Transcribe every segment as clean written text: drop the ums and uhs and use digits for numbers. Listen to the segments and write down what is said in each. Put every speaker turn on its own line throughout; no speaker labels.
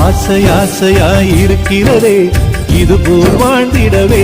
ஆசை ஆசையாயிருக்கிறதே இது போல் வாழ்ந்திடவே.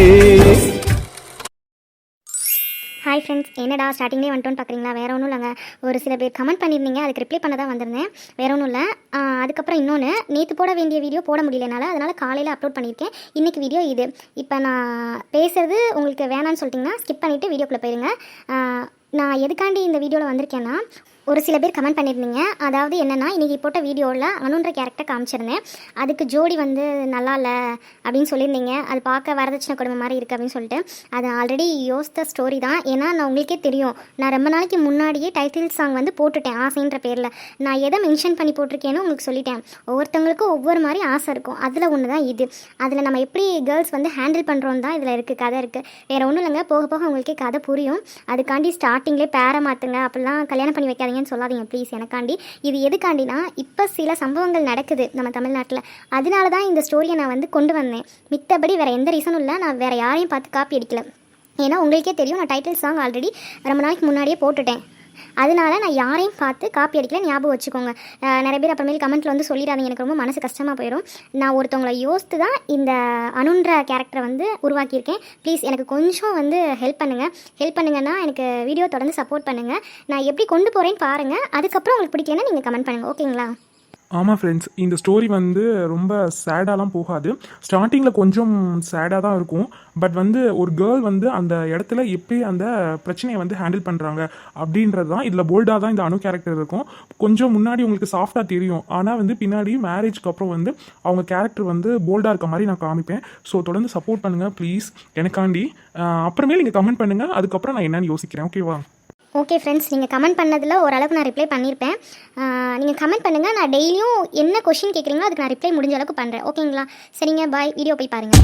Hi friends, என்னடா ஸ்டார்டிங்லேயே வந்துட்டோன்னு பார்க்குறீங்களா? வேறு ஒன்றும் இல்லைங்க. ஒரு சில பேர் கமெண்ட் பண்ணியிருந்தீங்க, அதுக்கு ரிப்ளை பண்ண தான் வந்திருந்தேன். வேறு ஒன்றும் இல்லை. அதுக்கப்புறம் இன்னொன்று, நேற்று போட வேண்டிய வீடியோ போட முடியலனால அதனால் காலையில் அப்லோட் பண்ணியிருக்கேன். இன்றைக்கி வீடியோ இது. இப்போ நான் பேசுகிறது உங்களுக்கு வேணான்னு சொல்லிட்டிங்கன்னா ஸ்கிப் பண்ணிவிட்டு வீடியோக்குள்ளே போயிருங்க. நான் எதுக்காண்டி இந்த வீடியோவில் வந்திருக்கேன்னா, ஒரு சில பேர் கமெண்ட் பண்ணியிருந்தீங்க. அதாவது என்னென்னா, இன்றைக்கி போட்ட வீடியோவில் அனுன்ற கேரக்டர் காமிச்சிருந்தேன். அதுக்கு ஜோடி வந்து நல்லா இல்லை அப்படின்னு சொல்லியிருந்தீங்க. அது பார்க்க வரதட்சணை கொடுமை மாதிரி இருக்குது அப்படின்னு சொல்லிட்டு. அது ஆல்ரெடி யோசித்த ஸ்டோரி தான். ஏன்னா நான் உங்களுக்கே தெரியும், நான் ரொம்ப நாளைக்கு முன்னாடியே டைட்டில் சாங் வந்து போட்டுட்டேன் ஆசைன்ற பேரில். நான் எதை மென்ஷன் பண்ணி போட்டிருக்கேன்னு உங்களுக்கு சொல்லிட்டேன். ஒவ்வொருத்தவங்களுக்கும் ஒவ்வொரு மாதிரி ஆசை இருக்கும். அதில் ஒன்று தான் இது. அதில் நம்ம எப்படி கேர்ள்ஸ் வந்து ஹேண்டில் பண்ணுறோம் தான் இதில் இருக்குது, கதை இருக்குது. வேறு ஒன்றும் இல்லைங்க. போக போக உங்களுக்கே கதை புரியும். அதுக்காண்டி ஸ்டார்டிங்லேயே பேரை மாற்றுங்க, அப்படிலாம் கல்யாணம் பண்ணி வைக்காதீங்க சொல்லாதீங்க ப்ளீஸ். எனக்காண்டி இது எதுக்காண்டினா, இப்போ சில சம்பவங்கள் நடக்குது நம்ம தமிழ்நாட்டில். அதனால தான் இந்த ஸ்டோரியை நான் வந்து கொண்டு வந்தேன். மித்தபடி வேறு எந்த ரீசனும் இல்லை. நான் வேறு யாரையும் பார்த்து காப்பி அடிக்கல. ஏன்னா உங்களுக்கே தெரியும், நான் டைட்டில் சாங் ஆல்ரெடி ரொம்ப நாளைக்கு முன்னாடியே போட்டுட்டேன். அதனால நான் யாரையும் பார்த்து காப்பி அடிக்கல, ஞாபகம் வச்சுக்கோங்க. நிறைய பேர் அப்புறமேல் கமெண்ட்டில் வந்து சொல்லிடாதீங்க, எனக்கு ரொம்ப மனசு கஷ்டமாக போயிடும். நான் ஒருத்தவங்களை யோசித்து தான் இந்த அனுன்ற கேரக்டரை வந்து உருவாக்கியிருக்கேன். ப்ளீஸ் எனக்கு கொஞ்சம் வந்து ஹெல்ப் பண்ணுங்கன்னா எனக்கு வீடியோ தொடர்ந்து சப்போர்ட் பண்ணுங்கள். நான் எப்படி கொண்டு போகிறேன்னு பாருங்கள். அதுக்கப்புறம் உங்களுக்கு பிடிக்கலன்னா நீங்கள் கமெண்ட் பண்ணுங்கள், ஓகேங்களா?
ஆமாம் ஃப்ரெண்ட்ஸ், இந்த ஸ்டோரி வந்து ரொம்ப சேடாலாம் போகாது. ஸ்டார்டிங்கில் கொஞ்சம் சேடாக தான் இருக்கும். பட் வந்து ஒரு கேர்ள் வந்து அந்த இடத்துல எப்படி அந்த பிரச்சனையை வந்து ஹேண்டில் பண்ணுறாங்க அப்படின்றது தான் இதில் போல்டாக தான் இந்த அணு கேரக்டர் இருக்கும். கொஞ்சம் முன்னாடி உங்களுக்கு சாஃப்டாக தெரியும், ஆனால் வந்து பின்னாடி மேரேஜ்க்கு அப்புறம் வந்து அவங்க கேரக்டர் வந்து போல்டாக இருக்க மாதிரி நான் காமிப்பேன். ஸோ தொடர்ந்து சப்போர்ட் பண்ணுங்கள் ப்ளீஸ் எனக்காண்டி. அப்புறமே நீங்கள் கமெண்ட் பண்ணுங்கள், அதுக்கப்புறம் நான் என்னென்னு யோசிக்கிறேன். ஓகேவா?
ஓகே ஃப்ரெண்ட்ஸ், நீங்கள் கமெண்ட் பண்ணதில் ஓரளவுக்கு நான் ரிப்ளை பண்ணியிருப்பேன். நீங்கள் கமெண்ட் பண்ணுங்கள். நான் டெய்லியும் என்ன கொஷின் கேட்குறீங்களோ அதுக்கு நான் ரிப்ளை முடிஞ்ச அளவுக்கு பண்ணுறேன், ஓகேங்களா? சரிங்க, பாய். வீடியோ போய் பாருங்கள்.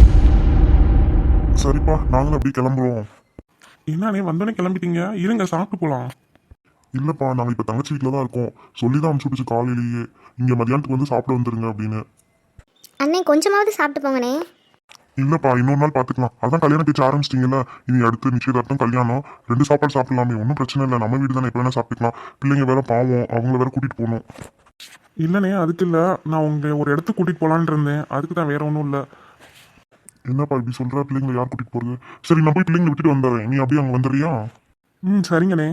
சரிப்பா, நாங்களும் அப்படி கிளம்புறோம்.
என்னண்ணே வந்தோடனே கிளம்பிட்டீங்க? இருங்க சாப்பிட்டு போகலாம்.
இல்லைப்பா, நாங்கள் இப்போ தங்கச்சி வீட்டில் தான் இருக்கோம். சொல்லி தான் அனுப்பிச்சு காலையிலேயே இங்கே மதியானத்துக்கு வந்து சாப்பிட வந்துருங்க அப்படின்னு.
அண்ணே கொஞ்சமாவது சாப்பிட்டு போங்கண்ணே.
இல்லைப்பா, இன்னொரு நாள் பார்த்துக்கலாம். அதான் கல்யாணம் பேச்சு ஆரம்பிச்சிட்டிங்கல்ல, இனி அடுத்து நிச்சயதார்த்தம் கல்யாணம் 2 சாப்பாடு சாப்பிடலாமே, ஒன்றும் பிரச்சனை இல்லை. நம்ம வீடு தானே, எப்போ வேணால் சாப்பிட்டுக்கலாம். பிள்ளைங்க வேற பாவம், அவங்கள வேற கூட்டிகிட்டு போகணும்.
இல்லைண்ணே அதுக்கு இல்லை, நான் உங்களை ஒரு இடத்துக்கு கூட்டிகிட்டு போகலான்னு இருந்தேன். அதுக்கு தான், வேற ஒன்றும் இல்லை.
என்னப்பா இப்படி சொல்கிற? பிள்ளைங்களை யார் கூட்டிகிட்டு போகிறது? சரி, நான் போய் பிள்ளைங்களை விட்டுட்டு வந்துடுறேன். நீ அப்படியே அங்கே வந்துடுறியா?
சரிங்கண்ணே.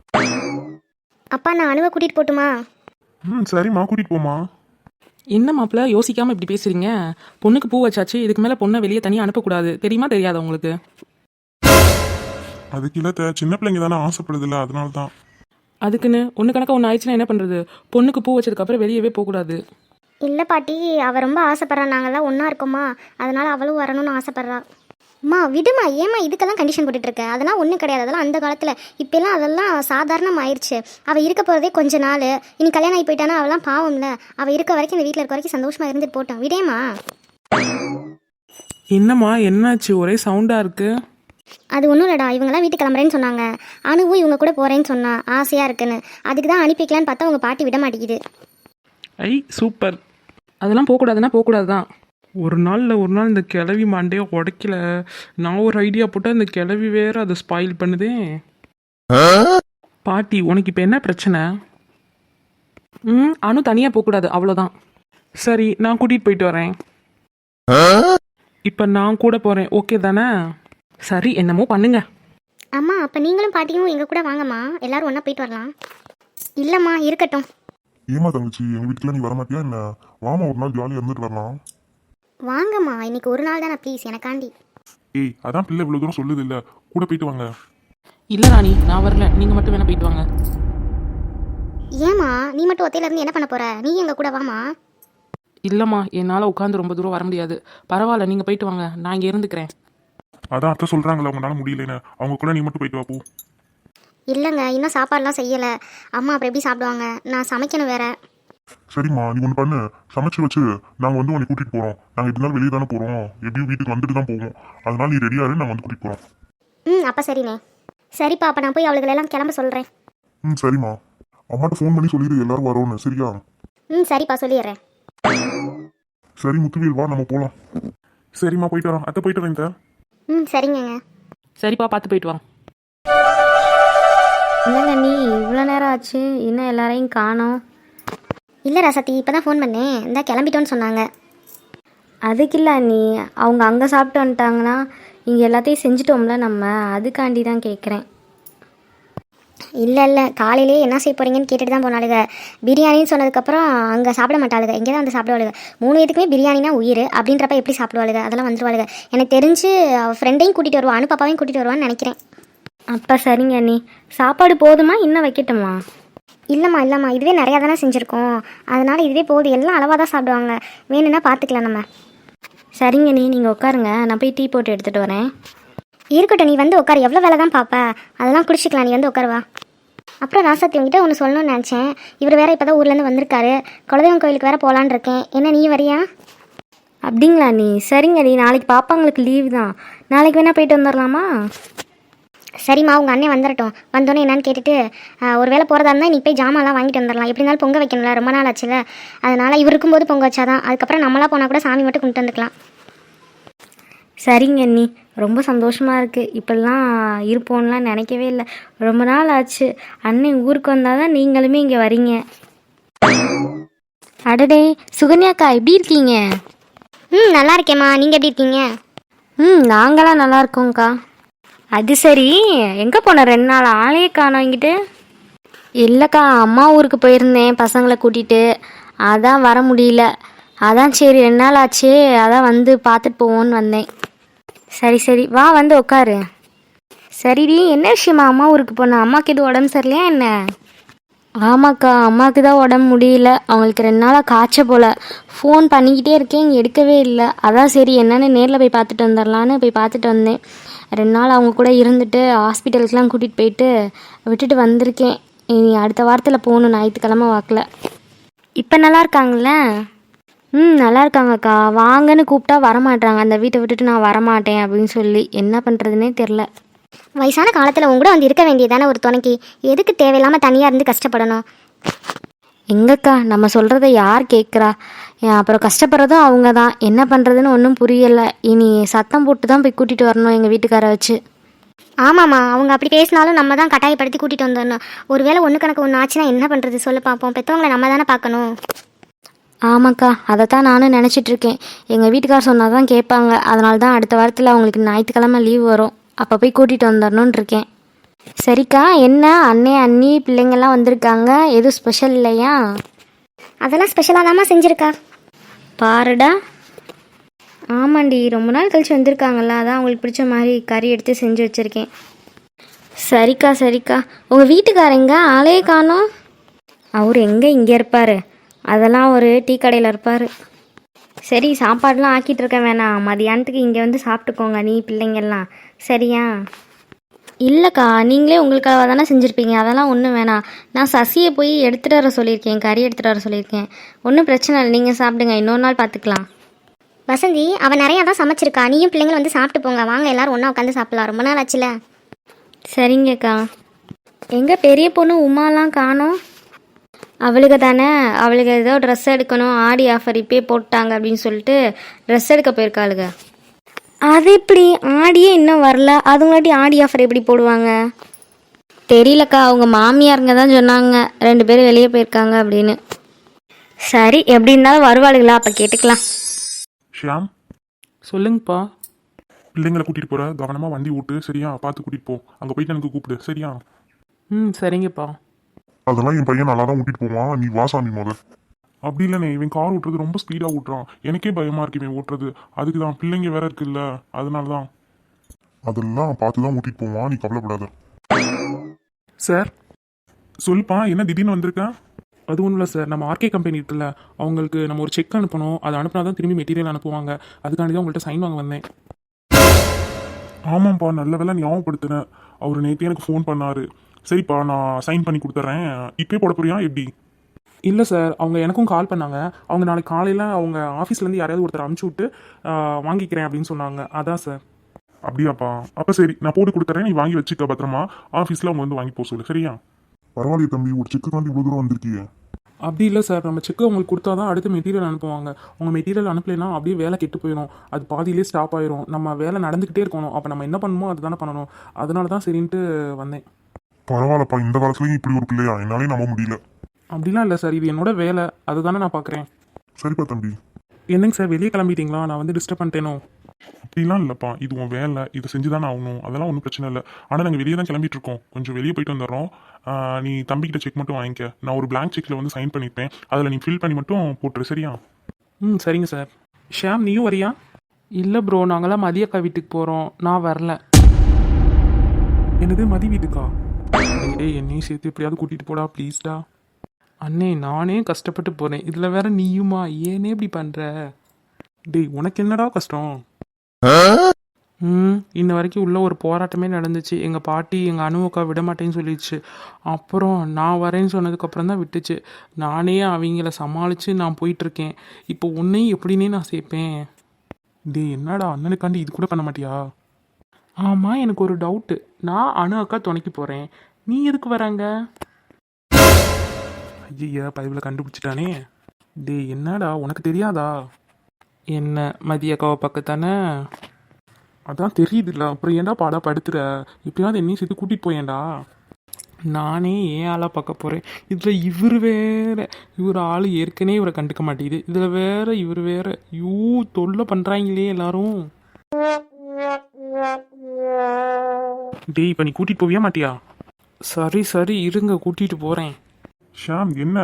அப்பா, நான் அணுவை கூட்டிகிட்டு போட்டுமா?
சரிம்மா, கூட்டிகிட்டு போமா.
என்ன மாப்பிள்ள யோசிக்காமல் இப்படி பேசுகிறீங்க? பொண்ணுக்கு பூ வச்சாச்சு, இதுக்கு மேலே பொண்ணை வெளியே தனியாக அனுப்பக்கூடாது. தெரியுமா தெரியாதா உங்களுக்கு?
அதுக்கு இல்லை, சின்ன பிள்ளைங்க தானே ஆசைப்படுதில்ல, அதனால தான்.
அதுக்குன்னு ஒன்று கணக்காக ஒன்று ஆயிடுச்சுன்னா என்ன பண்ணுறது? பொண்ணுக்கு பூ வச்சதுக்கப்புறம் வெளியவே போகக்கூடாது.
இல்லை பாட்டி, அவள் ரொம்ப ஆசைப்பட்றா. நாங்கள்லாம் ஒன்றா இருக்கோமா, அதனால் அவளும் வரணும்னு ஆசைப்பட்றா. அம்மா விடுமா, ஏம்மா இதுக்கெல்லாம் கண்டிஷன் போட்டுட்ருக்க? அதெல்லாம் ஒன்றும் கிடையாது. அதெல்லாம் அந்த காலத்தில். இப்போலாம் அதெல்லாம் சாதாரணம் ஆயிடுச்சு. அவள் இருக்க போகிறதே கொஞ்ச நாள். இனி கல்யாணம் ஆகி போயிட்டானா அவெல்லாம் பாவம்ல. அவள் இருக்க வரைக்கும், இந்த வீட்டில் இருக்க வரைக்கும் சந்தோஷமாக இருந்துட்டு போட்டோம். விடேம்மா.
என்னம்மா என்னாச்சு? ஒரே சவுண்டாக இருக்குது.
அது ஒன்றும் இல்லைடா, இவங்கெல்லாம் வீட்டுக்கு கிளம்புறேன்னு சொன்னாங்க. அணுவும் இவங்க கூட போகிறேன்னு சொன்னா, ஆசையாக இருக்குன்னு. அதுக்கு தான் அனுப்பிக்கலான்னு பார்த்தா உங்கள் பாட்டி விட மாட்டேங்குது.
ஐ சூப்பர். அதெல்லாம் போகக்கூடாதுன்னா போகக்கூடாது தான். ஒரு நாள் இந்த கிளவி மாண்டே உடைக்கல. நான் ஒரு ஐடியா போட்டால் இந்த கிளவி வேற அதை ஸ்பாயில் பண்ணுதே. பாட்டி, உனக்கு இப்போ என்ன பிரச்சனை? அனு தனியாக போகக்கூடாது, அவ்வளோதான். சரி, நான் கூட்டிகிட்டு போயிட்டு வரேன். இப்போ நான் கூட போகிறேன், ஓகே தானே? சரி, என்னமோ பண்ணுங்க.
அம்மா, அப்போ நீங்களும் பாட்டியும் எங்கள் கூட வாங்கம்மா, எல்லாரும் ஒன்றா போயிட்டு வரலாம். இல்லைம்மா, இருக்கட்டும்.
ஏமா தங்கச்சி, எங்கள் வீட்டுக்குலாம் நீ வரமாட்டியா என்ன? வாமா, ஒரு நாள் ஜாலியாக இருந்துட்டு வரலாம்.
வாங்கம்மா, இன்னைக்கு ஒரு நாள் தானே, ப்ளீஸ் எனக்காண்டி.
ஏய், அதான் பிள்ளை இவ்வளோ தூரம் சொல்லுது இல்லை, கூட போயிட்டு வாங்க.
இல்லை ராணி, நான் வரல, நீங்கள் மட்டும் வேணா போயிட்டு வாங்க.
ஏம்மா, நீ மட்டும் ஒத்தையில இருந்து என்ன பண்ண போற? நீ எங்க கூட வாமா.
இல்லைம்மா, என்னால் உட்காந்து ரொம்ப தூரம் வர முடியாது. பரவாயில்ல, நீங்கள் போயிட்டு வாங்க, நான் இங்கே இருந்துக்கிறேன்.
அதான் அத்தை சொல்கிறாங்களே, அவங்களால முடியலன்னு. அவங்க கூட நீ மட்டும் போயிட்டு வா போ.
இல்லைங்க, இன்னும் சாப்பாடுலாம் செய்யலை. அம்மா அப்புறம் எப்படி சாப்பிடுவாங்க? நான் சமைக்கணும் வேற.
சரிம்மா, நீ ஒன்று பண்ணு, சமைச்சு வச்சு நாங்கள் வந்து உன்னை கூட்டிகிட்டு போகிறோம். நாங்கள் எப்படினாலும் வெளியே தானே போகிறோம், எப்படியும் வீட்டுக்கு வந்துட்டு தான் போவோம். அதனால நீ ரெடியாரு, நாங்கள் வந்து கூட்டிகிட்டு போகிறோம்.
அப்போ சரிண்ணே. சரிப்பா, அப்போ நான் போய் அவளுகளெல்லாம் கிளம்ப சொல்கிறேன்.
சரிம்மா, அம்மாட்ட ஃபோன் பண்ணி சொல்லிடு எல்லாரும் வரோன்னு, சரியா?
சரிப்பா, சொல்லிடுறேன்.
சரி முத்துவேல், வா நம்ம போகலாம்.
சரிம்மா, போயிட்டு வரோம். அத்தை போயிட்டு வரேன்.
சரிங்க.
சரிப்பா, பார்த்து போயிட்டு வாங்க.
என்னங்க நீ இவ்வளோ நேரம் ஆச்சு, இன்னும் எல்லாரையும் காணோம்?
இல்லை ராசத்தி, இப்போ தான் ஃபோன் பண்ணேன். இந்த கிளம்பிட்டோன்னு சொன்னாங்க.
அதுக்கு இல்லை நீ அவங்க அங்கே சாப்பிட்டு வந்துட்டாங்கன்னா இங்கே எல்லாத்தையும் செஞ்சுட்டோம்ல நம்ம, அதுக்காண்டி தான் கேட்குறேன்.
இல்லை இல்லை, காலையிலே என்ன செய்ய போகிறீங்கன்னு கேட்டுட்டு தான் போனாளுங்க. பிரியாணின்னு சொன்னதுக்கப்புறம் அங்கே சாப்பிட மாட்டாளுங்க, இங்கே தான் வந்து சாப்பிடுவாளுங்க. 3 பேத்துக்குமே பிரியாணினா உயிர் அப்படின்றப்ப எப்படி சாப்பிடுவாளுங்க? அதெல்லாம் வந்துருவாளுங்க. எனக்கு தெரிஞ்சு ஃப்ரெண்டையும் கூட்டிகிட்டு வருவான், பாப்பாவையும் கூட்டிகிட்டு வருவான்னு நினைக்கிறேன்.
அப்போ சரிங்க நீ, சாப்பாடு போதுமா இன்னும் வைக்கட்டுமா?
இல்லைம்மா இதுவே நிறையா தானே செஞ்சுருக்கோம், அதனால் இதுவே போதும். எல்லாம் அளவாக தான் சாப்பிடுவாங்க, வேணும்னா பார்த்துக்கலாம் நம்ம.
சரிங்க நீ, நீங்கள் உட்காருங்க, நான் போய் டீ போட்டு எடுத்துகிட்டு வரேன்.
இருக்கட்டும், நீ வந்து உட்காரு, எவ்வளோ வேலை தான் பார்ப்ப, அதெல்லாம் குடிச்சிக்கலாம், நீ வந்து உட்காருவா. அப்புறம் ராசாத்தி உங்ககிட்ட ஒன்று சொல்லணும்னு நினச்சேன். இவர் வேறு இப்போ தான் ஊர்லேருந்து வந்திருக்காரு, குலதெய்வம் கோயிலுக்கு வேறு போகலான்னு இருக்கேன். என்ன நீ வரியா?
அப்படிங்களா நீ? சரிங்க நீ, நாளைக்கு பாப்பாங்களுக்கு லீவு தான், நாளைக்கு வேணால் போயிட்டு வந்துடலாமா?
சரிம்மா, உங்கள் அண்ணன் வந்துடட்டும், வந்தோன்னே என்னன்னு கேட்டுட்டு ஒரு வேளை போகிறதா இருந்தால் நீ போய் ஜாமான்லாம் வாங்கிட்டு வந்துடலாம். எப்படி இருந்தாலும் பொங்க வைக்கணும்ல, ரொம்ப நாள் ஆச்சுல, அதனால் இவர் இருக்கும்போது பொங்க வச்சாதான், அதுக்கப்புறம் நம்மளாம் போனால் கூட சாமி மட்டும் கொண்டு வந்துக்கலாம்.
சரிங்க நீ, ரொம்ப சந்தோஷமாக இருக்குது. இப்படிலாம் இருப்போம்லாம் நினைக்கவே இல்லை, ரொம்ப நாள் ஆச்சு. அண்ணன் ஊருக்கு வந்தால் தான் நீங்களுமே இங்கே வரீங்க. அடடே சுகன்யாக்கா, எப்படி இருக்கீங்க?
நல்லா இருக்கேம்மா, நீங்கள் எப்படி இருக்கீங்க?
நாங்களாம் நல்லா இருக்கோங்க்கா. அது சரி, எங்கே போன 2 நாள் ஆளையே காணோம் இங்கிட்டு? இல்லைக்கா, அம்மா ஊருக்கு போயிருந்தேன் பசங்களை கூட்டிகிட்டு, அதான் வர முடியல. அதான் சரி 2 நாள் ஆச்சு, அதான் வந்து பார்த்துட்டு போவோன்னு வந்தேன். சரி வா வந்து உட்காரு. சரிடி, என்ன விஷயமா அம்மா ஊருக்கு போன? அம்மாவுக்கு எதுவும் உடம்பு சரியில்லையா என்ன? ஆமாக்கா, அம்மாவுக்கு தான் உடம்பு முடியல, அவங்களுக்கு 2 நாளாக காய்ச்ச போல். ஃபோன் பண்ணிக்கிட்டே இருக்கேன், இங்கே எடுக்கவே இல்லை. அதான் சரி என்னென்னு நேரில் போய் பார்த்துட்டு வந்துடலான்னு போய் பார்த்துட்டு வந்தேன். 2 நாள் அவங்க கூட இருந்துட்டு ஹாஸ்பிட்டலுக்கெலாம் கூட்டிகிட்டு போயிட்டு விட்டுட்டு வந்திருக்கேன். இனி அடுத்த வாரத்தில் போகணும், ஞாயிற்றுக்கிழமை வாக்கில். இப்போ நல்லா இருக்காங்களே? நல்லா இருக்காங்கக்கா. வாங்கன்னு கூப்பிட்டா வரமாட்டாங்க, அந்த வீட்டை விட்டுட்டு நான் வரமாட்டேன் அப்படின்னு சொல்லி. என்ன பண்ணுறதுனே தெரில.
வயசான காலத்தில் உங்க கூட வந்து இருக்க வேண்டியதானே ஒரு துணைக்கு, எதுக்கு தேவையில்லாமல் தனியாக இருந்து கஷ்டப்படணும்?
எங்கக்கா, நம்ம சொல்கிறத யார் கேட்குறா? அப்புறம் கஷ்டப்படுறதும் அவங்க தான். என்ன பண்ணுறதுன்னு ஒன்றும் புரியலை. இனி சத்தம் போட்டு தான் போய் கூட்டிகிட்டு வரணும் எங்கள் வீட்டுக்காரை வச்சு.
ஆமாம்மா, அவங்க அப்படி பேசினாலும் நம்ம தான் கட்டாயப்படுத்தி கூட்டிகிட்டு வந்துடணும். ஒரு வேளை ஒன்று கணக்கு ஒன்று ஆச்சுன்னா என்ன பண்ணுறது சொல்லு பார்ப்போம். பெற்றவங்களை நம்ம தானே பார்க்கணும்.
ஆமாக்கா, அதைத்தான் நானும் நினச்சிட்ருக்கேன். எங்கள் வீட்டுக்கார் சொன்னால் தான் கேட்பாங்க, அதனால தான் அடுத்த வாரத்தில் அவங்களுக்கு ஞாயிற்றுக்கிழமை லீவ் வரும், அப்போ போய் கூட்டிகிட்டு வந்துடணுன்னு இருக்கேன். சரிக்கா, என்ன அண்ணே அண்ணி பிள்ளைங்கள்லாம் வந்திருக்காங்க, எதுவும் ஸ்பெஷல் இல்லையா?
அதெல்லாம் ஸ்பெஷலாக தாம்மா செஞ்சுருக்கா.
பாருடா. ஆமாண்டி, ரொம்ப நாள் கழிச்சு வந்திருக்காங்கல்ல, அதான் அவங்களுக்கு பிடிச்ச மாதிரி கறி எடுத்து செஞ்சு வச்சுருக்கேன். சரிக்கா. உங்கள் வீட்டுக்காரங்க ஆளையே காணோம்? அவர் எங்கே இங்கே இருப்பார், அதெல்லாம் ஒரு டீ கடையில் இருப்பார். சரி, சாப்பாடெலாம் ஆக்கிட்டு இருக்க வேணாம், மதியானத்துக்கு இங்கே வந்து சாப்பிட்டுக்கோங்க நீ பிள்ளைங்கள்லாம், சரியா? இல்லைக்கா, நீங்களே உங்களுக்காக தானே செஞ்சுருப்பீங்க, அதெல்லாம் ஒன்றும் வேணாம். நான் சசியை போய் எடுத்துகிட்டு வர சொல்லியிருக்கேன், கறி எடுத்துகிட்டு வர சொல்லியிருக்கேன். ஒன்றும் பிரச்சனை இல்லை, நீங்கள் சாப்பிடுங்க, இன்னொரு நாள் பார்த்துக்கலாம்.
வசந்தி, அவன் நிறையா தான் சமைச்சிருக்கா, நீயும் பிள்ளைங்களும் வந்து சாப்பிட்டு போங்க, வாங்க எல்லோரும் ஒன்றா உட்காந்து சாப்பிடலாம், ரொம்ப நாள் ஆச்சுல.
சரிங்கக்கா. எங்கள் பெரிய பொண்ணு உமாலாம் காணோம்? அவளுக்கு தானே, அவளுக்கு ஏதோ ட்ரெஸ் எடுக்கணும், ஆடி ஆஃபர் இப்போயே போட்டாங்க அப்படின்னு சொல்லிட்டு ட்ரெஸ் எடுக்க போயிருக்காளுங்க. அது எப்படி, ஆடியே இன்னும் வரல, அதுங்காட்டி ஆடி ஆஃபர் எப்படி போடுவாங்க தெரியலக்கா. அவங்க மாமியாருங்க தான் சொன்னாங்க 2 பேரும் வெளியே போயிருக்காங்க அப்படின்னு. சரி, எப்படி இருந்தாலும் வருவாளுங்களா, அப்போ கேட்டுக்கலாம்.
ஷியாம்,
சொல்லுங்கப்பா.
பிள்ளைங்களை கூட்டிகிட்டு போகிற கவனமாக வண்டி ஓட்டு, சரியா? பார்த்து கூட்டிகிட்டு போ, அங்கே போயிட்டு எனக்கு கூப்பிடு, சரியா?
சரிங்கப்பா.
அதெல்லாம் என் பையன் நல்லா தான் ஓட்டிட்டு போவான், நீ வா சாமி முதல். அப்படி இல்லைண்ணே, இவன் கார் ஓட்டுறது ரொம்ப ஸ்பீடாக ஓட்டுறான், எனக்கே பயமாக இருக்கு இவன் ஓட்டுறது. அதுக்கு தான், பிள்ளைங்க வேற இருக்குல்ல, அதனால தான். அதெல்லாம் பார்த்து தான் ஓட்டிட்டு போவான், நீ கவலைப்படாத.
சார் சொல்லுப்பா, என்ன திடீர்னு வந்திருக்கேன்? அது ஒன்றும் இல்லை சார், நம்ம ஆர்கே கம்பெனி இருக்குல்ல, அவங்களுக்கு நம்ம ஒரு செக் அனுப்பணும், அதை அனுப்பினா தான் திரும்பி மெட்டீரியல் அனுப்புவாங்க, அதுக்காண்டி தான் உங்கள்கிட்ட சைன் வாங்க வந்தேன்.
ஆமாம்ப்பா, நல்ல வேலை ஞாபகப்படுத்துறேன், அவர் நேற்று எனக்கு ஃபோன் பண்ணார். சரிப்பா, நான் சைன் பண்ணி கொடுத்துட்றேன், இப்போயே போட போறியா எப்படி?
இல்லை சார், அவங்க எனக்கும் கால் பண்ணாங்க, அவங்க நாளைக்கு காலையில் அவங்க ஆஃபீஸ்லேருந்து யாரையாவது ஒருத்தர் அனுப்பிச்சி விட்டு வாங்கிக்கிறேன் அப்படின்னு சொன்னாங்க, அதான் சார்.
அப்படியாப்பா, அப்போ சரி, நான் போட்டு கொடுத்துறேன், நீ வாங்கி வச்சுக்க பத்திரமா, ஆஃபீஸில் அவங்க வந்து வாங்கி போக சொல்லு, சரியா? பரவாயில்லையே தம்பி, ஒரு செக்குக்காண்டி இவ்வளோ தூரம் வந்திருக்கீங்க.
அப்படி இல்லை சார், நம்ம செக்கு அவங்களுக்கு கொடுத்தா தான் அடுத்து மெட்டீரியல் அனுப்புவாங்க, அவங்க மெட்டீரியல் அனுப்பலைன்னா அப்படியே வேலை கெட்டு போயிடும், அது பாதியிலே ஸ்டாப் ஆயிரும், நம்ம வேலை நடந்துக்கிட்டே இருக்கணும், அப்போ நம்ம என்ன பண்ணணுமோ அது தானே பண்ணணும், அதனால தான் சரின்ட்டு வந்தேன்.
பரவாயில்லப்பா, இந்த காலத்துலேயும் இப்படி ஒரு பிள்ளையா, என்னாலே நம்ப முடியல.
அப்படிலாம் இல்லை சார், இது என்னோட வேலை, அதுதானே நான் பார்க்குறேன்.
சரிப்பா தம்பி.
என்னங்க சார் வெளியே கிளம்பிட்டீங்களா? நான் வந்து டிஸ்டர்ப் பண்ணிட்டேனோ?
அப்படிலாம் இல்லைப்பா, இது உன் வேலை, இதை செஞ்சு தானே ஆகணும், அதெல்லாம் ஒன்றும் பிரச்சனை இல்லை. ஆனால் நாங்கள் வெளியே தான் கிளம்பிட்டு இருக்கோம், கொஞ்சம் வெளியே போயிட்டு வந்துடுறோம். நீ தம்பிக்கிட்ட செக் மட்டும் வாங்கிக்க, நான் ஒரு blank செக்கில் வந்து சைன் பண்ணிப்பேன், அதில் நீ ஃபில் பண்ணி மட்டும் போட்டுரு, சரியா?
ம் சரிங்க சார். ஷாம் நீயும் வரியா?
இல்லை ப்ரோ, நாங்களாம் மதியக்கா வீட்டுக்கு போகிறோம், நான் வரல.
என்னது மதி வீட்டுக்கா? டேய் என்னையும் சேர்த்து எப்படியாவது கூட்டிகிட்டு போடா ப்ளீஸ்டா.
அண்ணே நானே கஷ்டப்பட்டு போகிறேன், இதில் வேற நீயுமா? ஏனே இப்படி பண்ணுற?
டேய் உனக்கு என்னடா கஷ்டம்?
இன்ன வரைக்கும் உள்ள ஒரு போராட்டமே நடந்துச்சு. எங்கள் பாட்டி எங்கள் அணுவக்கா விட மாட்டேன்னு சொல்லிடுச்சு. அப்புறம் நான் வரேன்னு சொன்னதுக்கப்புறம் தான் விட்டுச்சு. நானே அவங்கள சமாளித்து நான் போயிட்டுருக்கேன். இப்போ உன்னையும் எப்படின்னே நான் சேர்ப்பேன்?
டேய் என்னடா அண்ணனுக்காண்டி இது கூட பண்ண மாட்டியா?
ஆமாம், எனக்கு ஒரு டவுட்டு. நான் அணு அக்கா துணைக்கு போகிறேன், நீ எதுக்கு வராங்க?
ஐயா பதிவில் கண்டுபிடிச்சிட்டானே. டேய் என்னடா உனக்கு தெரியாதா?
என்ன மதிய அக்காவை பக்கத்தானே?
அதான் தெரியுதுல்ல, அப்புறம் ஏன்டா பாடா படுத்துற? எப்படியாவது என்னையும் சேர்த்து கூட்டிகிட்டு போயேன்டா.
நானே ஏன் ஆளாக பார்க்க போகிறேன், இதில் இவர் வேற. இவர் ஆள் ஏற்கனவே இவரை கண்டுக்க மாட்டேங்குது, இதில் வேற இவர் வேற. தொல்லை பண்ணுறாங்களே எல்லாரும்.
டேய் இப்போ நீ கூட்டிகிட்டு போவியா மாட்டியா?
சரி சரி இருங்க, கூட்டிகிட்டு போகிறேன்.
ஷாம் என்ன?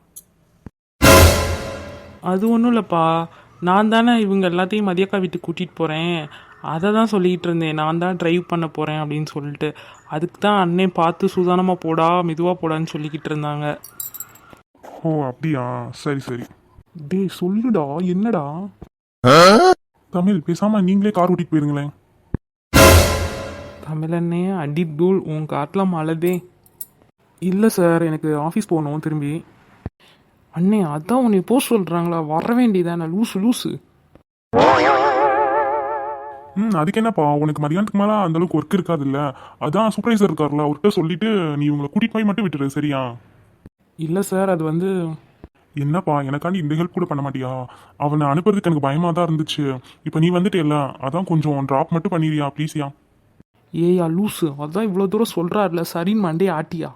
அது ஒன்றும் இல்லைப்பா, நான் தானே இவங்க எல்லாத்தையும் மதியக்கா வீட்டுக்கு கூட்டிகிட்டு போகிறேன். அதை தான் சொல்லிகிட்டு இருந்தேன், நான் தான் ட்ரைவ் பண்ண போகிறேன் அப்படின்னு சொல்லிட்டு. அதுக்கு தான் அண்ணே பார்த்து சூதானமாக போடா, மெதுவாக போடான்னு சொல்லிக்கிட்டு இருந்தாங்க.
ஓ அப்படியா, சரி சரி.
டேய் சொல்லுடா என்னடா?
தமிழ் பேசாம நீங்களே கார் ஓட்டிட்டு போயிருங்களேன்.
தமிழண்ணே அடி தூள், உன் காட்டில் மழைதே.
இல்லை சார் எனக்கு ஆஃபீஸ் போகணும் திரும்பி.
அண்ணே அதான் உன்னை போ சொல்கிறாங்களா, வர வேண்டியதானே லூசு லூசு.
அதுக்கு என்னப்பா, உனக்கு மதியானத்துக்கு மேலே அந்த அளவுக்கு ஒர்க் இருக்காது இல்லை? அதான் சூப்பர்வைசர் இருக்கார்ல, அவர்கிட்ட சொல்லிட்டு நீ உங்களை கூட்டிட்டு போய் மட்டும் விட்டுரு, சரியா?
இல்லை சார் அது வந்து.
என்னப்பா எனக்காண்டி இந்த ஹெல்ப் கூட பண்ண மாட்டியா? அவனை அனுப்புறதுக்கு எனக்கு பயமாக தான் இருந்துச்சு, இப்போ நீ வந்துட்டேல்ல, அதான் கொஞ்சம் ட்ராப் மட்டும் பண்ணிடுறியா ப்ளீஸ்யா?
ஏயா லூசு, அதான் இவ்வளோ தூரம் சொல்கிறாருல, சரின்னு மண்டே ஆட்டியா?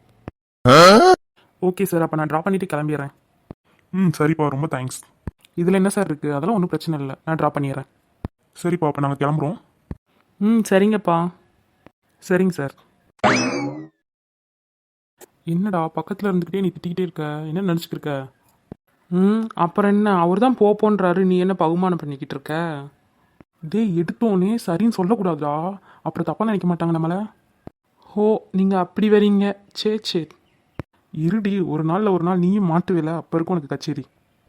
ஓகே சார், அப்போ நான் ட்ராப் பண்ணிவிட்டு கிளம்பிடுறேன்.
சரிப்பா, ரொம்ப தேங்க்ஸ்.
இதில் என்ன சார் இருக்குது? அதெல்லாம் ஒன்றும் பிரச்சனை இல்லை, நான் ட்ராப் பண்ணிடுறேன்.
சரிப்பா, அப்போ நாங்கள் கிளம்புறோம்.
சரிங்கப்பா.
சரிங்க சார். என்னடா பக்கத்தில் இருந்துக்கிட்டே நீ திட்டிக்கிட்டே இருக்க, என்ன நினச்சிக்கிட்டு இருக்க?
அப்புறம் என்ன, அவர் தான் போன்றாரு, நீ என்ன பகுமானம் பண்ணிக்கிட்டு இருக்க?
டேய் எடுத்தோன்னே சரின்னு சொல்லக்கூடாதா, அப்புறம் தப்பாக நினைக்க மாட்டாங்க நம்மளை.
ஹோ நீங்கள் அப்படி வரீங்க, சரி சரி.
இருடி, ஒரு நாள் நீயும் மாட்டுவில, அப்போ இருக்கும் உனக்கு கச்சேரி.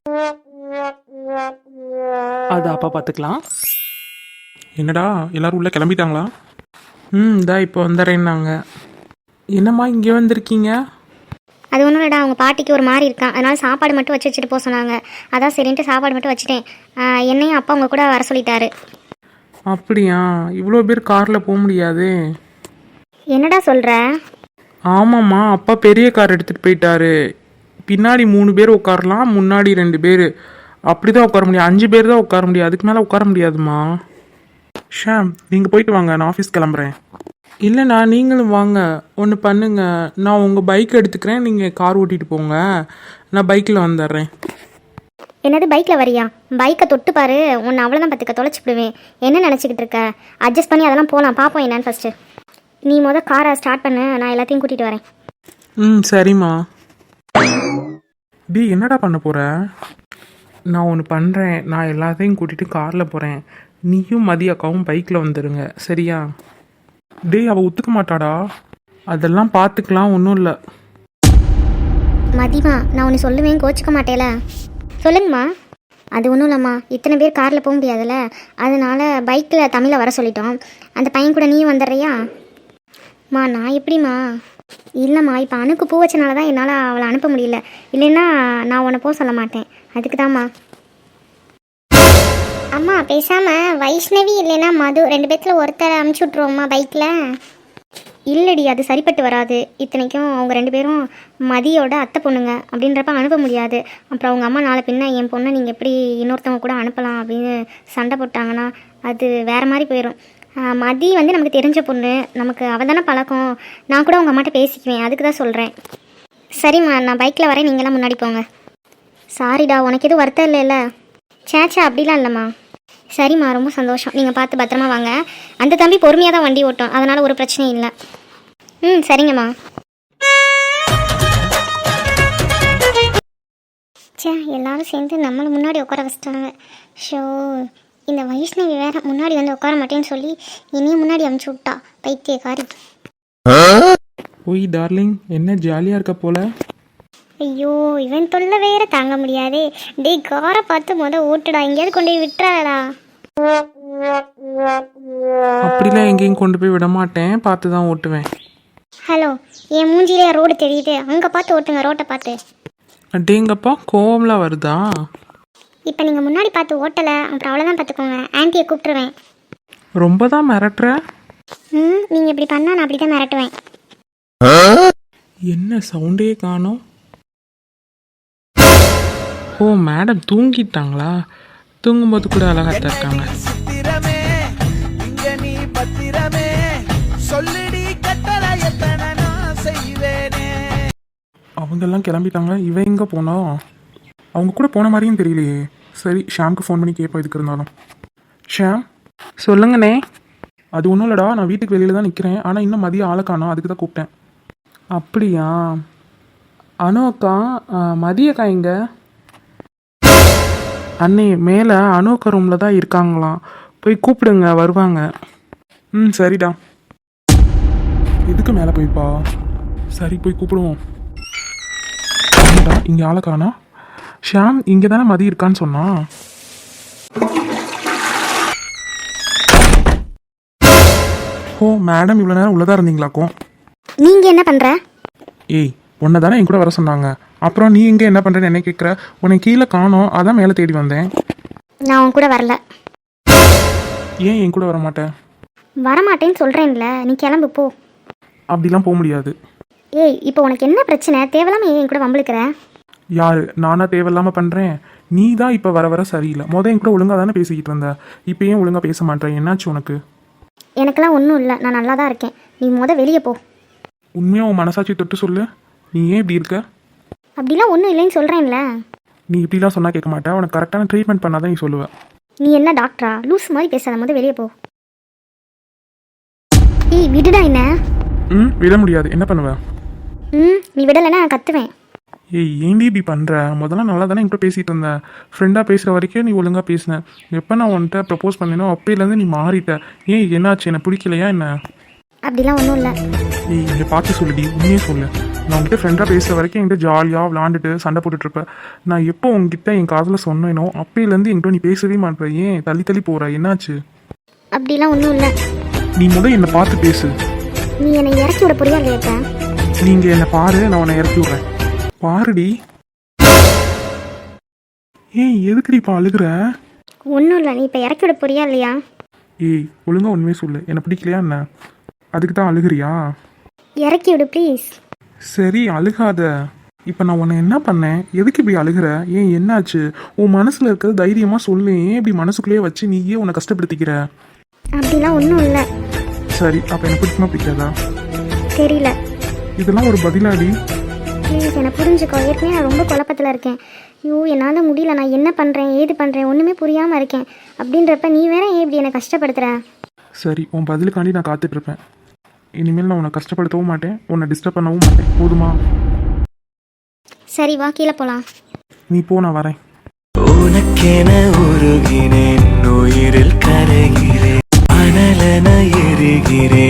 அது அப்பா பார்த்துக்கலாம்.
என்னடா எல்லாரும் உள்ளே கிளம்பிட்டாங்களா?
இதா இப்போ வந்துடுறேன்னாங்க. என்னம்மா இங்கே வந்திருக்கீங்க?
அது ஒன்றும் இல்லைடா, அவங்க பாட்டிக்கு ஒரு மாதிரி இருக்கான், அதனால் சாப்பாடு மட்டும் வச்சுட்டு போக சொன்னாங்க. அதான் சரின்ட்டு சாப்பாடு மட்டும் வச்சுட்டேன். என்னையும் அப்பா அவங்க கூட வர சொல்லிட்டாரு.
அப்படியா? இவ்வளோ பேர் காரில் போக முடியாது.
என்னடா சொல்கிற?
ஆமாம்மா, அப்பா பெரிய கார் எடுத்துகிட்டு போயிட்டாரு. பின்னாடி 3 பேர் உட்காரலாம், முன்னாடி 2 பேர், அப்படி தான் உட்கார முடியும். 5 பேர் தான் உட்கார முடியும், அதுக்கு மேலே உட்கார முடியாதுமா.
ஷாம் நீங்கள் போயிட்டு வாங்க, நான் ஆஃபீஸ் கிளம்புறேன்.
இல்லைண்ணா நீங்களும் வாங்க, ஒன்று பண்ணுங்க, நான் உங்கள் பைக் எடுத்துக்கிறேன், நீங்கள் கார் ஓட்டிகிட்டு போங்க, நான் பைக்கில் வந்துடுறேன்.
என்னது பைக்கில் வரியா? பைக்கை தொட்டு பாரு, உன்னை அவ்வளோதான் பார்த்துக்க, தொலைச்சிடுவேன். என்ன நினச்சிக்கிட்டு இருக்க? அட்ஜஸ்ட் பண்ணி அதெல்லாம் போகலாம், பார்ப்போம் என்னன்னு ஃபஸ்ட்டு. நீ காரை ஸ்டார்ட் பண்ணு, நான் எல்லாத்தையும் கூட்டிகிட்டு வரேன்.
சரிம்மா.
டேய் என்னடா பண்ண போகிற?
நான் ஒன்று பண்ணுறேன், நான் எல்லாத்தையும் கூட்டிகிட்டு காரில் போகிறேன், நீயும் மதிய அக்காவும் பைக்கில் வந்துடுங்க, சரியா?
டேய் அவள் ஒத்துக்க மாட்டாடா.
அதெல்லாம் பார்த்துக்கலாம், ஒன்றும் இல்லை.
மதிமா, நான் ஒன்று சொல்லுவேன், கோச்சிக்க மாட்டேல? சொல்லுங்கம்மா. அது ஒன்றும் இல்லைம்மா, இத்தனை பேர் காரில் போக முடியாதுல்ல, அதனால் பைக்கில் தமிழை வர சொல்லிட்டோம். அந்த பையன் கூட நீயும் வந்துடுறியா? நான் எப்படிம்மா? இல்லைம்மா, இப்போ அணுக்கு பூ வச்சனால தான் என்னால் அவளை அனுப்ப முடியல, இல்லைன்னா நான் உன்னை போக சொல்ல மாட்டேன், அதுக்கு தான்மா. அம்மா பேசாமல் வைஷ்ணவி இல்லைன்னா மது 2 பேர்த்தில் ஒருத்தரை அமுச்சு விட்ருவோம்மா பைக்கில். இல்லடி, அது சரிப்பட்டு வராது. இத்தனைக்கும் அவங்க 2 பேரும் மதியோட அத்தை பொண்ணுங்க அப்படின்றப்ப அனுப்ப முடியாது. அப்புறம் அவங்க அம்மா நாளை பின்ன என் பொண்ணை நீங்கள் எப்படி இன்னொருத்தவங்க கூட அனுப்பலாம் அப்படின்னு சண்டை போட்டாங்கன்னா அது வேறு மாதிரி போயிடும். மதி நமக்கு தெரிஞ்ச பொண்ணு, நமக்கு அவள் தானே பழக்கம். நான் கூட உங்கள் அம்மாட்ட பேசிக்குவேன், அதுக்கு தான் சொல்கிறேன். சரிம்மா, நான் பைக்கில் வரேன், நீங்களாம் முன்னாடி போங்க. சாரிடா, உனக்கு எதுவும் வருத்தம் இல்லைல்ல? சேச்சா அப்படிலாம் இல்லைம்மா. சரிம்மா, ரொம்ப சந்தோஷம். நீங்கள் பார்த்து பத்திரமா வாங்க. அந்த தம்பி பொறுமையாக தான் வண்டி ஓட்டும், அதனால் ஒரு பிரச்சனையும் இல்லை. சரிங்கம்மா. சே, எல்லாரும் சேர்ந்து நம்மளை முன்னாடி உட்கார வச்சிட்டாங்க. ஷோ, இந்த வைஷ்ணவி வேற முன்னாடி வந்து உட்கார மாட்டேன்னு சொல்லி என்னையும் முன்னாடி அமுச்சு விட்டா, பைத்தியக்காரி.
ஓய் டார்லிங், என்ன ஜாலியாக இருக்க போல.
ஐயோ, இவன் தொல்லை வேற தாங்க முடியாதே. டேய், காரை பார்த்து ஓட்டுடா, எங்கேயாவது கொண்டு போய் விட்டுறாடா.
அப்படிலாம் எங்கேயும் கொண்டு போய் விட மாட்டேன், பார்த்து தான் ஓட்டுவேன்.
ஹலோ, என் மூஞ்சிலே ரோடு தெரியுது, அங்கே பார்த்து ஓட்டுங்க, ரோட்டை பார்த்து.
அடேங்கப்பா, கோவம்லாம் வருதா?
இப்போ நீங்கள் முன்னாடி பார்த்து ஓட்டலை, அப்புறம் அவ்வளோதான் பார்த்துக்கோங்க. ஆன்ட்டியை கூப்பிட்டுருவேன்.
ரொம்ப தான் மிரட்டுற.
நீங்கள் இப்படி பண்ணால் நான் அப்படி தான் மிரட்டுவேன்.
என்ன சவுண்டே காணோம்? ஓ, மேடம் தூங்கிட்டாங்களா? தூங்கும்போது கூட அழகாத்தான் இருக்காங்க.
சித்திரமே இங்க நீ பத்திரமே சொல்லிடி கட்டளை எத்தனை நான் செய்வேனே.
அவங்கெல்லாம் கிளம்பிட்டாங்க. இவன் எங்கே போனா? அவங்க கூட போன மாதிரியும் தெரியலையே. சரி, ஷாம்க்கு ஃபோன் பண்ணி கேட்போம் எதுக்கு இருந்தாலும். ஷாம்,
சொல்லுங்கண்ணே.
அது ஒன்றும் இல்லைடா, நான் வீட்டுக்கு வெளியில் தான் நிற்கிறேன். ஆனால் இன்னும் மதியம் ஆளை காணோம், அதுக்கு தான் கூப்பிட்டேன்.
அப்படியா? அனு அக்கா, மதியக்கா இங்க? அண்ணே, மேலே அனு அக்கா ரூமில் தான் இருக்காங்களாம், போய் கூப்பிடுங்க, வருவாங்க.
சரிடா. எதுக்கு மேலே போய்ப்பா? சரி, போய் கூப்பிடுவோம். என்னடா இங்கே ஆளை காணா? ஷாம் இங்கே தானே மதி இருக்கான்னு சொன்னா. ஓ, மேடம் இவ்வளோ நேரம் உள்ளதா இருந்தீங்களாக்கும்.
நீங்கள் என்ன பண்ணுற?
ஏய், உன்னை தானே என் கூட வர சொன்னாங்க. அப்புறம் நீ இங்கே என்ன பண்ணுறேன்னு என்ன கேட்குற? உன்னை கீழே காணோம், அதான் மேலே தேடி வந்தேன்.
நான் உன் கூட வரல.
ஏன் என் கூட வர மாட்டேன்?
வரமாட்டேன்னு சொல்கிறேன்ல, நீ கிளம்பு போ.
அப்படிலாம் போக முடியாது.
ஏய், இப்போ உனக்கு என்ன பிரச்சனை? தேவையில்லாமல் ஏன் என் கூட வம்பிழுக்கிற?
யாரு? நானா தேவையில்லாமல் பண்ணுறேன்? நீ தான் இப்போ வர வர சரியில்லை. என் கூட ஒழுங்காக தானே பேசிக்கிட்டு இருந்த, இப்போ ஏன் ஒழுங்காக பேச மாட்டேன்? என்னாச்சு உனக்கு?
எனக்கெல்லாம் ஒன்றும் இல்லை, நான் நல்லா தான் இருக்கேன். நீ வெளியே போ.
உண்மையாக உன் மனசாட்சி தொட்டு சொல்லு, நீ ஏன் இப்படி இருக்க?
அப்படிலாம் ஒன்றும் இல்லைன்னு சொல்கிறேன்ல.
நீ இப்படிலாம் சொன்னால் கேட்க மாட்டேன். உனக்கு கரெக்டான ட்ரீட்மெண்ட் பண்ணாதான் நீ சொல்லுவேன்.
நீ என்ன டாக்டரா? லூஸ் மாதிரி பேசாத, வெளியே போ. ஏய், விடுடா என்ன.
விட முடியாது. என்ன பண்ணுவேன்?
நீ விடலைன்னா நான் கத்துவேன்.
ஏய், ஏன்டி இப்படி பண்ணுற? முதல்ல நல்லா தானே என்கிட்ட பேசிகிட்டு இருந்தேன். ஃப்ரெண்டாக பேசுகிற வரைக்கும் நீ ஒழுங்காக பேசினேன். எப்போ நான் உன்கிட்ட ப்ரப்போஸ் பண்ணேனோ அப்போலேருந்து நீ மாறிட்ட. ஏன், என்னாச்சு? என்ன பிடிக்கலையா என்ன?
அப்படிலாம் ஒன்றும் இல்லை.
ஏய், இங்கே பார்த்து சொல்லுடி, உண்மையே சொல்லு. நான் உங்ககிட்ட ஃப்ரெண்டாக பேசுகிற வரைக்கும் என்கிட்ட ஜாலியாக விளாண்டுட்டு சண்டை போட்டுட்ருப்பேன். நான் எப்போ உங்ககிட்ட என் காதில் சொன்னேனோ அப்போலேருந்து என்கிட்ட நீ பேசவே மாட்டேற. ஏன் தள்ளி தள்ளி போகிற? என்னாச்சு?
அப்படிலாம் ஒன்றும் இல்லை.
நீ என்னை பார்த்து பேசு.
நீ என்னை இறக்கி விட புரியா இல்லையா?
நீங்கள் என்னை பாரு, நான் உன்னை இறக்கி விட்றேன். பாருடி. ஏய், எதுக்குடி இப்போ அழுகுற?
ஒன்றும் இல்லை, நீ இப்போ இறக்கி விட புரியா இல்லையா?
ஏய், ஒழுங்காக உண்மையே சொல்லு, என்னை பிடிக்கலையா என்ன? அதுக்கு தான் அழுகுறியா?
இறக்கி விடு ப்ளீஸ்.
சரி, அழுகாத. இப்போ நான் உன்னை என்ன பண்ணேன்? எதுக்கு இப்படி அழுகிற? ஏன், என்னாச்சு? உன் மனசில் இருக்கிறது தைரியமாக சொல்லு. ஏன் இப்படி மனசுக்குள்ளேயே வச்சு நீயே உன்னை கஷ்டப்படுத்திக்கிற?
அப்படிலாம் ஒன்றும் இல்லை.
சரி, அப்போ எனக்கு பிடிக்குமா பிடிக்காதா?
தெரியல.
இதெல்லாம் ஒரு பதிலாடி?
ப்ளீஸ் என்னை புரிஞ்சுக்கோ. ஏற்கனவே நான் ரொம்ப குழப்பத்தில் இருக்கேன். ஐயோ, என்னால் முடியல. நான் என்ன பண்ணுறேன், ஏது பண்ணுறேன், ஒன்றுமே புரியாமல் இருக்கேன். அப்படின்றப்ப நீ வேற ஏன் இப்படி என்னை கஷ்டப்படுத்துகிற?
சரி, உன் பதிலுக்காண்டி நான் காத்துட்ருப்பேன். இனிமேல் நான் உன்னை கஷ்டப்படுத்தவும் மாட்டேன், உன்னை டிஸ்டர்ப் பண்ணவும் மாட்டேன். போதுமா?
சரி, வா கீழே போகலாம்.
நீ போ, நான் வரேன்.
உனக்கென உருகினேன், உயிரில் கரைகிறேன், அனலென எரிகிறேன்.